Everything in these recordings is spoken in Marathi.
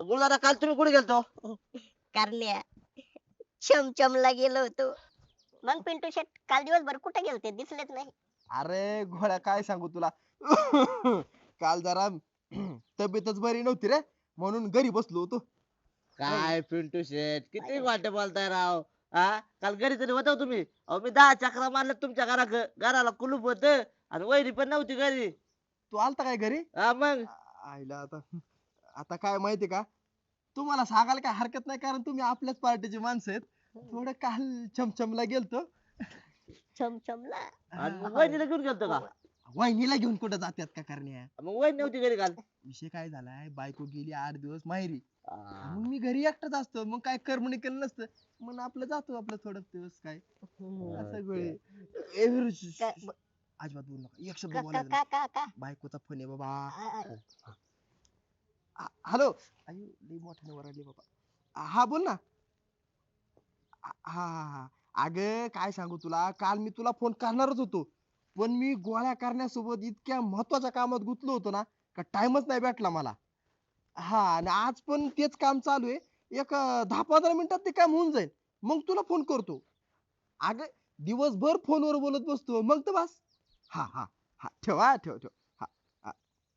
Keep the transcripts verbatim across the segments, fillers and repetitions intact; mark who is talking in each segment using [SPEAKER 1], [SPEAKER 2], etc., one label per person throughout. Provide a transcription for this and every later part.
[SPEAKER 1] गुरुदादा काल तुम्ही कुठे गेलतो?
[SPEAKER 2] कारण्या चमचमला गेलो होतो. मग पिंटू शेट काल दिवसभर कुठे गेलते दिसलेच नाही.
[SPEAKER 3] अरे घोड्या काय सांगू तुला काल जरा तब्येतच बरी नव्हती रे म्हणून घरी बसलो होतो.
[SPEAKER 1] काय पिंटू शेट किती वाटे बोलताय राव. हा काल घरी तरी होता तुम्ही. अहो मी दहा चक्रा मारल्या तुमच्या घरा घराला कुलूप होत आणि वैरी पण नव्हती घरी.
[SPEAKER 3] तू आलता काय घरी?
[SPEAKER 1] हा मग
[SPEAKER 3] आईला आता आता काय माहिती का तुम्हाला सांगायला काय हरकत नाही कारण तुम्ही आपल्याच पार्टीची माणसं आहेत. थोडं काल चमचमला गेलतो.
[SPEAKER 2] चमचमला
[SPEAKER 1] आणि मग वहिनीला घेऊन गेलतो का?
[SPEAKER 3] वहिनीला घेऊन कुठं जात्यात का करण्या?
[SPEAKER 1] मग वहिनी नव्हती घरी काल.
[SPEAKER 3] विषय काय झालाय बायको गेली आठ दिवस माहेरी.
[SPEAKER 1] हा.
[SPEAKER 3] मग मी घरी एकटाच असतो मग काय करमणी केलं नसतं मग आपलं जातो आपलं थोडं दिवस काय असं गोळे ए, विरू, श- श-
[SPEAKER 2] का-
[SPEAKER 3] अजिबात बोलू नका एक शब्द
[SPEAKER 2] का का
[SPEAKER 3] बोलायचा
[SPEAKER 2] का का का
[SPEAKER 3] बायकोचा फोन आहे बाबा.
[SPEAKER 2] आ- आ-
[SPEAKER 3] आ- हॅलो अयो लई मोठ्याने वरडले बाबा. आ, हा बोल ना. आ- हा हा हा अगं काय सांगू तुला काल मी तुला फोन करणारच होतो पण मी गोळ्या करण्यासोबत इतक्या महत्वाच्या कामात गुंतलो होतो ना का टाइमच नाही भेटला मला. हा आणि आज पण तेच काम चालू आहे. एक अं, दहा पंधरा मिनिटात ते काम होऊन जाईल मग तुला फोन करतो. अगं दिवसभर फोनवर बोलत बसतो मग तर बस. हा हा हा ठेव हा ठेव ठेव. हा हा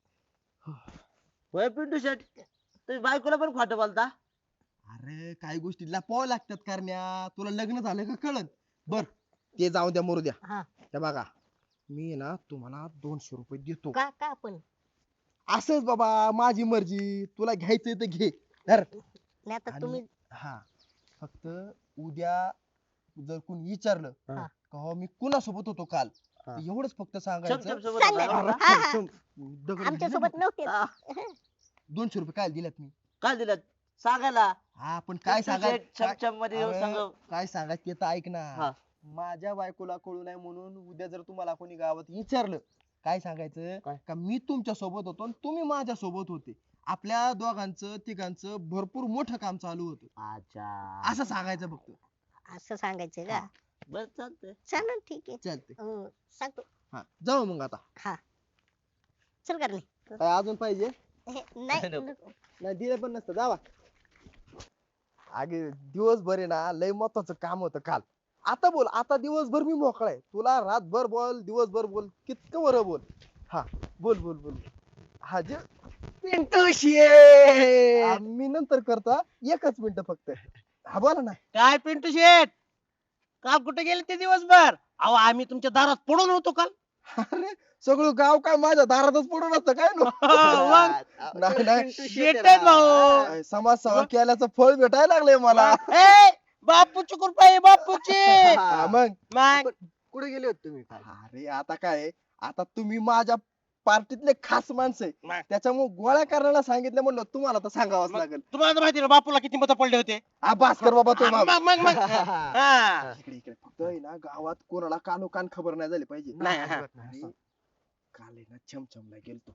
[SPEAKER 1] होय पिंटू शेट तुम्ही बायकोला पण खोटं बोलता.
[SPEAKER 3] अरे काही गोष्टी लपवाव्या लागतात करण्या तुला लग्न झालं का कळत. बर ते जाऊ द्या मरू द्या.
[SPEAKER 2] हा
[SPEAKER 3] हे बघा मी ना तुम्हाला दोनशे रुपये देतो.
[SPEAKER 2] का का पण
[SPEAKER 3] असंच बाबा माझी मर्जी तुला घ्यायचंय तर घे धर.
[SPEAKER 2] नाही आता
[SPEAKER 3] आणि-
[SPEAKER 2] तुम्ही
[SPEAKER 3] हा फक्त उद्या जर कोणी विचारलं
[SPEAKER 1] हा.
[SPEAKER 3] का हो मी कुणासोबत होतो काल
[SPEAKER 1] हा.
[SPEAKER 3] तर एवढंच फक्त
[SPEAKER 1] चम
[SPEAKER 3] सांगायचं.
[SPEAKER 1] चम सोबत
[SPEAKER 2] सांगा.
[SPEAKER 1] होता
[SPEAKER 3] अरे,
[SPEAKER 1] का?
[SPEAKER 2] हा, हा.
[SPEAKER 3] थांब, दगड
[SPEAKER 2] आमच्या
[SPEAKER 3] घालीन
[SPEAKER 2] सोबत
[SPEAKER 3] ना.
[SPEAKER 2] नव्हते.
[SPEAKER 1] हा.
[SPEAKER 3] दोनशे रुपये काय दिल्यात मी.
[SPEAKER 1] काय दिलं सांगायला.
[SPEAKER 3] हा पण काय
[SPEAKER 1] पिंटू
[SPEAKER 3] सांगाय
[SPEAKER 1] शेट चमचम मध्ये येऊन
[SPEAKER 3] अरे,
[SPEAKER 1] सांग.
[SPEAKER 3] काय सांगायचं ते तर ऐक
[SPEAKER 1] हा.
[SPEAKER 3] ना. माझ्या बायकोला कळू नये म्हणून उद्या जर तुम्हाला कोणी गावात विचारलं काय सांगायचं
[SPEAKER 1] काय?
[SPEAKER 3] का मी तुमच्या सोबत होतो आणि तुम्ही माझ्या सोबत होते. आपल्या दोघांचं तिघांचं भरपूर मोठं काम चालू होतं
[SPEAKER 1] अच्छा
[SPEAKER 3] असं सांगायचं फक्त.
[SPEAKER 2] असं सांगायचं का?
[SPEAKER 1] बर चालतंय.
[SPEAKER 2] चालेल ठीक आहे.
[SPEAKER 3] चालते
[SPEAKER 2] अं, सांगतो.
[SPEAKER 3] हा जाऊ मग आता.
[SPEAKER 2] हा चल करणे.
[SPEAKER 3] काय अजून पाहिजे?
[SPEAKER 2] नाही
[SPEAKER 1] नको.
[SPEAKER 2] नको.
[SPEAKER 3] नाही दिले पण नसतं जावा. अगे दिवसभर आहे ना लय महत्वाचं काम होतं काल. आता बोल आता दिवसभर मी मोकळा आहे तुला रातभर बोल दिवसभर बोल कितकं बरं बोल. हा बोल बोल बोल. हा जे
[SPEAKER 4] पिंटू शेट
[SPEAKER 3] आ, मी नंतर करतो हा. एकच मिनिट फक्त. हा बोला ना.
[SPEAKER 4] काय पिंटू शेट काल कुठे गेले ते दिवसभर अहो आम्ही तुमच्या दारात पडून होतो काल
[SPEAKER 3] अरे सगळं गाव काय माझ्या दारातच पडून असतं काय नो.
[SPEAKER 4] मग
[SPEAKER 3] नाही नाही
[SPEAKER 4] शेट आहेत भाऊ
[SPEAKER 3] काय समाजसेवा केल्याचं फळ भेटायला लागलंय मला.
[SPEAKER 4] ए, बापूची कृपा आहे बापूची
[SPEAKER 3] हा, मग
[SPEAKER 4] मग
[SPEAKER 3] कुठे गेले होते तुम्ही? अरे आता काय आहे, आता तुम्ही माझ्या पार्टीतले खास माणसं आहे
[SPEAKER 4] मग.
[SPEAKER 3] त्याच्यामुळे गोळ्या करायला सांगितलं म्हणलं तुम्हाला तर सांगावंच
[SPEAKER 4] मग.
[SPEAKER 3] लागेल.
[SPEAKER 4] तुम्हाला तर माहिती ना बापूला किती मत पडले होते
[SPEAKER 3] हा भास्कर बाबा तो
[SPEAKER 4] मग मग मग मग. हा.
[SPEAKER 3] इकडे इकडे फक्त आहे ना गावात कोणाला कानो कान खबर नाही झाली पाहिजे.
[SPEAKER 4] नाही, हा.
[SPEAKER 3] आणि काल आहे ना छमछमला गेलतो.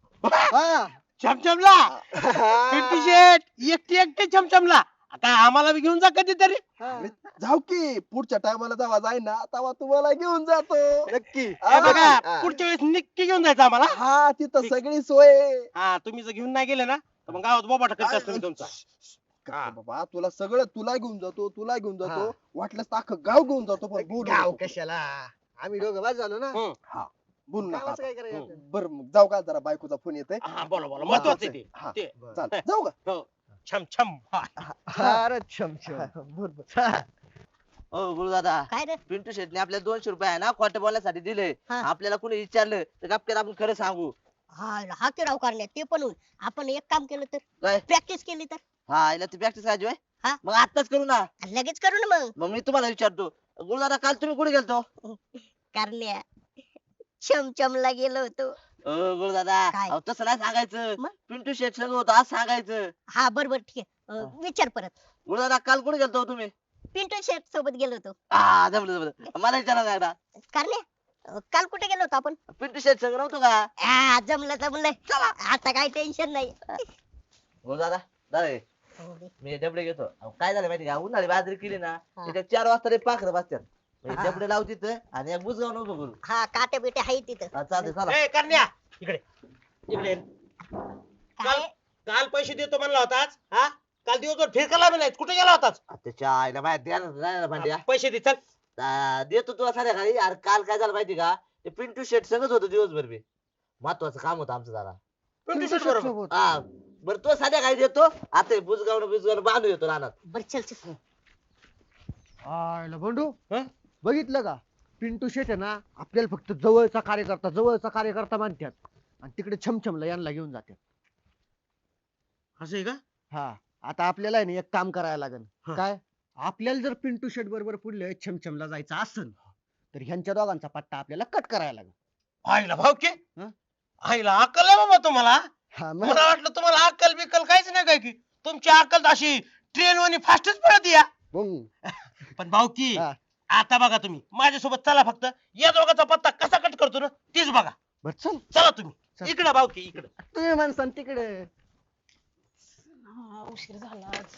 [SPEAKER 4] चमचमला पिंटू शेट एकटी एकटे चमचमला आता आम्हाला बी घेऊन जा कधीतरी
[SPEAKER 3] अरे, जाऊ की पुढच्या टायमाला जेव्हा जाईन ना तेव्हा तुम्हाला घेऊन जातो.
[SPEAKER 4] नक्की
[SPEAKER 3] हा.
[SPEAKER 4] बघा पुढच्या वेळेस नक्की घेऊन जायचं आम्हाला
[SPEAKER 3] हा तिथं सगळी सोय आहे.
[SPEAKER 4] हा तुम्ही जर घेऊन नाही गेले ना तर मग गावात बोबाटा करत असतो मी तुमचा
[SPEAKER 3] काय बाबा तुला सगळं तुला घेऊन जातो तुला घेऊन जातो वाटलंच तर अख्खं गाव घेऊन जातो पण बोलू
[SPEAKER 5] गाव
[SPEAKER 3] नको.
[SPEAKER 5] कशाला आम्ही दोघं बाद झालो ना
[SPEAKER 4] हं.
[SPEAKER 3] हा बोलू नका
[SPEAKER 5] गावाचं
[SPEAKER 3] आता.
[SPEAKER 5] काय करायचं
[SPEAKER 3] बरं मग जाऊ का जरा बायकोचा फोन येतोय.
[SPEAKER 4] हा बोला बोला महत्वाचं आहे ते.
[SPEAKER 3] हा
[SPEAKER 4] ते
[SPEAKER 3] चाल जाऊ का.
[SPEAKER 4] हो छम छम हा.
[SPEAKER 5] फार छमछम
[SPEAKER 3] हा, बर बर.
[SPEAKER 1] ओ गुरुदादा
[SPEAKER 2] काय रे
[SPEAKER 1] पिंटू शेटने आपल्याला दोनशे रुपये आहे ना खोटं बोलण्यासाठी दिले.
[SPEAKER 2] हा.
[SPEAKER 1] आपल्याला कोणी विचारलं तर गपक्यात आपण खरं सांगू.
[SPEAKER 2] हा हा की राव करणे ते पण होईल. आपण एक काम केलं तर
[SPEAKER 1] काय
[SPEAKER 2] प्रॅक्टिस केली तर
[SPEAKER 1] हा याला ती प्रॅक्टिस करायची होय?
[SPEAKER 2] हा.
[SPEAKER 1] मग आताच करू ना.
[SPEAKER 2] लगेच करू ना मग.
[SPEAKER 1] मग मी तुम्हाला विचारतो गुरुदादा काल तुम्ही कुठे गेलतो?
[SPEAKER 2] करण्या चमचमला गेलो होतो.
[SPEAKER 1] ओ गुरुदादा
[SPEAKER 2] काय?
[SPEAKER 1] अहो, तसं नाही सांगायचं.
[SPEAKER 2] मग?
[SPEAKER 1] पिंटू शेट सगळं होतं आज सांगायचं.
[SPEAKER 2] हा बरोबर ठीक आहे. अं, विचार परत.
[SPEAKER 1] गुरुदादा काल कुठे गेलतो तुम्ही?
[SPEAKER 2] पिंटू शेट सोबत गेलो होतो.
[SPEAKER 1] हा जमलं जमलं मला विचारा ना एकदा.
[SPEAKER 2] करण्या अं, काल कुठे गेलो होतो आपण?
[SPEAKER 1] पिंटू शेट सगळं नव्हतं का?
[SPEAKER 2] हा जमलं जमलं. आता काही टेन्शन नाही.
[SPEAKER 1] गुरुदादा दादा
[SPEAKER 2] हो बे.
[SPEAKER 1] मी डबडे घेतो. अहो, काय झालं माहिती का उन्हाळी बाजरी केली ना
[SPEAKER 2] हा.
[SPEAKER 1] त्याच्यात चार वाजता ते पाखरं बसतात. मी
[SPEAKER 2] हा.
[SPEAKER 1] डबडे लावू तिथं आणि एक बुजगाव नको करू.
[SPEAKER 2] हा काटे बिटे आहे तिथं.
[SPEAKER 1] हा, चालतंय चला.
[SPEAKER 4] ए करण्या इकडे इकडे
[SPEAKER 2] काय
[SPEAKER 4] काल पैसे देतो म्हणला होताच हा काल दिवसभर फिरकायला बी नाही कुठे गेला होतास
[SPEAKER 1] त्याच्या आईला माहिती द्या ना भांड्या
[SPEAKER 4] पैसे दे चल
[SPEAKER 1] आ, देतो तुला संध्याकाळी अरे काल काय झालं माहिती का ते पिंटू शेट सगळंच होतं दिवसभर मी महत्वाचं काम होतं आमचं जरा
[SPEAKER 4] पिंटू शेट बरोबर
[SPEAKER 3] सोबत.
[SPEAKER 1] हा बरं तो संध्याकाळी देतो आता बुजगावणं बुजगावणं बांधून येतो रानात
[SPEAKER 2] बर चल चल
[SPEAKER 3] आयला बंडू
[SPEAKER 4] हं?
[SPEAKER 3] बघितलं का पिंटू शेट आहे ना आपल्याला फक्त जवळचा कार्यकर्ता जवळचा कार्यकर्ता मानतात आणि तिकडे छमछमला यांना घेऊन जातात.
[SPEAKER 4] असं आहे का
[SPEAKER 3] हा आता आपल्याला आहे ना एक काम करायला लागेल
[SPEAKER 4] हं.
[SPEAKER 3] काय आपल्याला जर पिंटू शेट बरोबर पुढले छमछमला जायचं असेल तर ह्यांच्या दोघांचा पट्टा आपल्याला कट करायला लागेल.
[SPEAKER 4] आईला भाऊ के
[SPEAKER 3] हं?
[SPEAKER 4] आईला अक्कल आहे बाबा तुम्हाला
[SPEAKER 3] हा मग
[SPEAKER 4] मला वाटलं तुम्हाला अक्कल बिक्कल काहीच नाही काय की तुमची अक्कल अशी ट्रेन वाणी फास्टच पळत या
[SPEAKER 3] मग
[SPEAKER 4] पण भाऊ की
[SPEAKER 3] हा.
[SPEAKER 4] आता बघा तुम्ही माझ्यासोबत चला फक्त या दोघांचा पत्ता कसा कट करतो ना तीच बघा
[SPEAKER 3] बर चल
[SPEAKER 4] चला तुम्ही
[SPEAKER 3] चल.
[SPEAKER 4] इकडे भाऊ की इकडे
[SPEAKER 3] तुम्ही माणसान तिकडे
[SPEAKER 6] हा, उशीर झाला आज.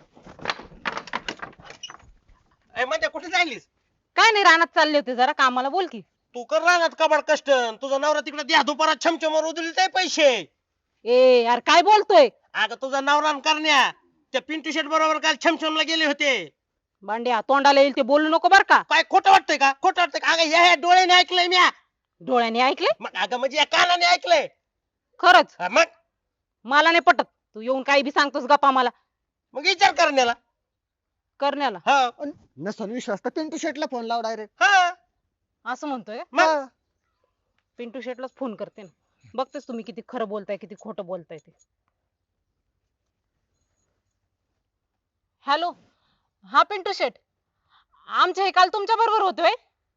[SPEAKER 4] म्हणजे कुठे जायलीस
[SPEAKER 6] काय नाही रानात चालले होते जरा कामाला बोल की.
[SPEAKER 4] तू कर राहणार कबाड कष्ट तुझा नवरा तिकडे द्या दुपारा छमछमवर उधळील ते पैसे
[SPEAKER 6] ए यार काय बोलतोय
[SPEAKER 4] अगं तुझा नवरा न करण्या त्या पिंटू शेट बरोबर काल छमछमला गेले होते
[SPEAKER 6] बांड्या तोंडाला येईल ते बोलू नको बर का.
[SPEAKER 4] काय खोटं वाटतंय का खोटं वाटतंय का अगं ह्या ह्या डोळ्याने ऐकलंय म्या
[SPEAKER 6] डोळ्याने ऐकले
[SPEAKER 4] मग अगं म्हणजे या कानाने ऐकलंय
[SPEAKER 6] खरंच
[SPEAKER 4] हा, मग
[SPEAKER 6] मला नाही पटत तू येऊन काही बी सांगतोस गप्पा मला
[SPEAKER 4] मग विचार करण्याला
[SPEAKER 6] करण्याला.
[SPEAKER 4] हा
[SPEAKER 3] नसन विश्वास तर पिंटू शेटला फोन लाव डायरेक्ट.
[SPEAKER 4] हा
[SPEAKER 6] असं म्हणतोय का?
[SPEAKER 4] मग
[SPEAKER 6] पिंटू शेटलाच फोन करते ना बघतेस तुम्ही किती खरं बोलताय किती खोटं बोलताय ते. हॅलो हा पिंटू शेट आमचे हे काल तुमच्या बरोबर होतोय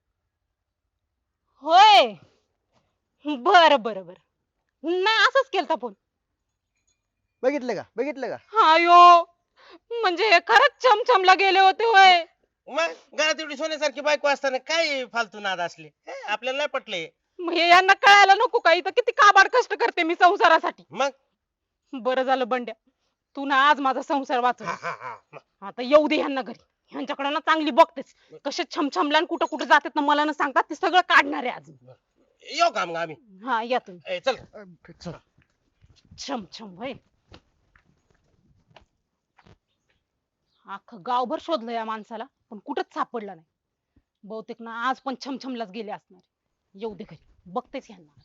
[SPEAKER 6] होय बर बर बर नाही असंच केलता फोन.
[SPEAKER 3] बघितलं का बघितलं का
[SPEAKER 6] हायो म्हणजे हे खरंच चमचमला गेले होते होय.
[SPEAKER 4] मग घरात एवढी सोन्यासारखी बायको असताना काय फालतू नाद असले हे, आपल्याला नाही पटले
[SPEAKER 6] मग हे यांना कळायला नको का इथं किती काबाड कष्ट करते मी संसारासाठी.
[SPEAKER 4] मग
[SPEAKER 6] बरं झालं बंड्या तू ना आज माझा संसार वाचव.
[SPEAKER 4] हा, हा, हा. मग
[SPEAKER 6] आता येऊ दे ह्यांना घरी ह्यांच्याकडे ना चांगली बघतेच कसे छमछमला आणि कुठं कुठं जातात ना मला ना सांगतात ते सगळं काढणार आहे आज.
[SPEAKER 4] येऊ का मग आम्ही
[SPEAKER 6] हा या तुम्ही.
[SPEAKER 4] ए, चल
[SPEAKER 3] अं, चल
[SPEAKER 6] छमछम होय अख्खं गावभर शोधलं या माणसाला पण कुठंच सापडला नाही. बहुतेक ना आज पण छमछमलाच गेले असणार. येऊ दे घरी बघतेच ह्यांना.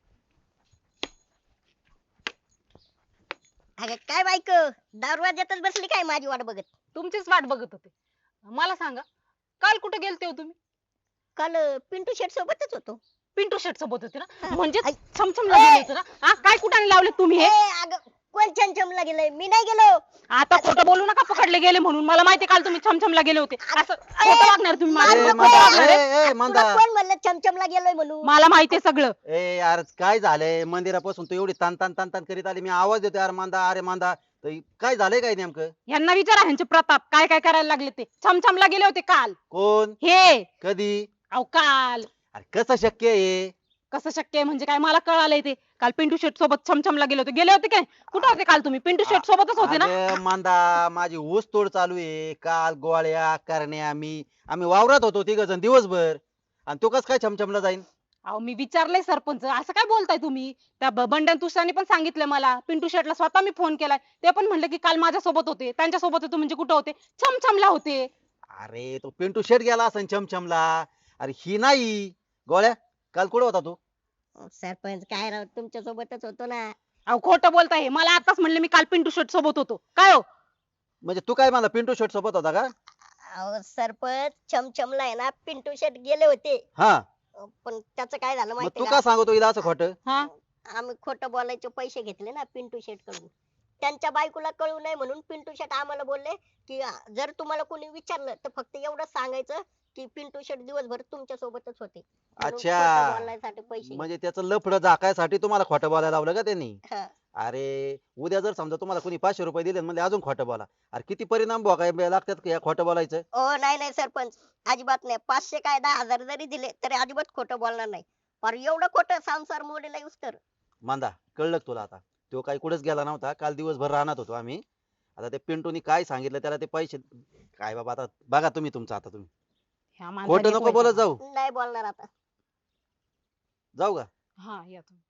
[SPEAKER 2] अगं काय बायको दरवाज्यातच बसली काय माझी वाट बघत.
[SPEAKER 6] तुमचीच वाट बघत होते. मला सांगा काल कुठे गेलते हो तुम्ही.
[SPEAKER 2] काल अं, पिंटू शेट सोबतच होतो.
[SPEAKER 6] पिंटू शेट सोबत होते ना
[SPEAKER 2] हा.
[SPEAKER 6] म्हणजे
[SPEAKER 2] आई.
[SPEAKER 6] छमछमला गेले होते ना. हा काय कुठाने लावले तुम्ही
[SPEAKER 2] ए
[SPEAKER 6] हे.
[SPEAKER 2] अगं कोण छमछमला गेलंय मी नाही गेलो.
[SPEAKER 6] आता खोटं बोलू नका पकडले गेले म्हणून मला माहिती काल तुम्ही छमछमला गेले होते असं खोटं वागणार तुम्ही
[SPEAKER 2] मार
[SPEAKER 6] माझ्यावर.
[SPEAKER 2] नको.
[SPEAKER 6] खोटं वागणार आहे.
[SPEAKER 5] ए, ए,
[SPEAKER 2] तुला
[SPEAKER 5] मंदा
[SPEAKER 2] कोण म्हणलं छमछमला गेलोय म्हणून.
[SPEAKER 6] मला माहिती आहे सगळं.
[SPEAKER 5] ए यार काय झालंय मंदिरापासून तू एवढी तान तान तान तान करीत आली मी आवाज देतो यार मांदा अरे मांदा तर काय झालंय काय नेमकं
[SPEAKER 6] यांना विचारा ह्यांचे प्रताप काय काय करायला लागले ते. छमछमला गेले होते काल
[SPEAKER 5] कोण
[SPEAKER 6] हे.
[SPEAKER 5] कधी
[SPEAKER 6] अहो काल
[SPEAKER 5] अरे कसं शक्य आहे
[SPEAKER 6] कसं शक्य आहे म्हणजे काय मला कळालंय ते. काल पिंटू शेट सोबत छमछमला गेले होते. गेले होते काय कुठे होते काल तुम्ही. पिंटू शेट सोबतच होते ना.
[SPEAKER 5] अरे मांदा माझी ऊस तोड चालू आहे काल गोळ्या करण्या मी आम्ही वावरात होतो तिघ जण दिवसभर आणि तो कस काय छमछमला जाईन
[SPEAKER 6] अहो मी विचारलंय सरपंच असं काय बोलताय तुम्ही. त्या ब- बंडन तुषारने पण सांगितलं मला. पिंटू शेटला स्वतः मी फोन केलाय ते पण म्हणले की काल माझ्या सोबत होते त्यांच्या सोबत होते म्हणजे कुठे होते छमछमला होते.
[SPEAKER 5] अरे तो पिंटू शेट गेला असन छमछमला अरे ही नाही गोळ्या काल कुठे होता तू
[SPEAKER 2] सरपंच काय राव तुमच्या सोबतच होतो ना.
[SPEAKER 6] अहो खोटं बोलताय हे. मला आताच म्हणले मी काल पिंटू शेट सोबत होतो. काय हो
[SPEAKER 5] म्हणजे तू काय मला पिंटू शेट सोबत होता का
[SPEAKER 2] अहो सरपंच छमछमला आहे ना पिंटू शेट गेले होते.
[SPEAKER 5] हा
[SPEAKER 2] अं, पण त्याचं काय झालं
[SPEAKER 5] मग
[SPEAKER 2] माहिती
[SPEAKER 5] तू
[SPEAKER 2] का
[SPEAKER 5] का सांगतो हिला असं खोटं
[SPEAKER 6] हा
[SPEAKER 2] आम्ही खोटं बोलायचे पैसे घेतले ना पिंटू शेट कडून. त्यांच्या बायकोला कळू नये म्हणून पिंटू शेट आम्हाला बोलले की अं, जर तुम्हाला कोणी विचारलं तर फक्त एवढंच सांगायचं की पिंटू शेट दिवसभर तुमच्या सोबतच होते. म्हणून
[SPEAKER 5] अच्छा.
[SPEAKER 2] खोटं बोलायसाठी पैसे
[SPEAKER 5] म्हणजे त्याचं लफडं झाकायसाठी तुम्हाला खोटं बोलायला लावलं का त्यांनी
[SPEAKER 2] घेतले. हा.
[SPEAKER 5] अरे उद्या जर समजा तुम्हाला कोणी पाचशे रुपये दिले म्हणजे अजून खोटं बोला अरे किती परिणाम भोगायला लागतात का या खोटं बोलायचं
[SPEAKER 2] ओ नाही नाही सरपंच अजिबात नाही. पाचशे काय दहा हजार जरी दिले तरी अजिबात खोटं बोलणार नाही. पर एवढं खोटं संसार मोडीला येऊस तर.
[SPEAKER 5] मांदा कळलं का तुला आता तो काही कुठेच गेला नव्हता काल दिवसभर राहणार होतो आम्ही आता ते पिंटूनी काय सांगितलं त्याला ते पैसे काय बाबा आता बघा तुम्ही तुमचं आता तुम्ही
[SPEAKER 6] ह्या माणसाने
[SPEAKER 5] खोटं
[SPEAKER 6] एक
[SPEAKER 5] नको बोलत
[SPEAKER 6] वैताग.
[SPEAKER 5] जाऊ
[SPEAKER 2] नाही बोलणार आता.
[SPEAKER 5] जाऊ का
[SPEAKER 6] हा या तुम्ही.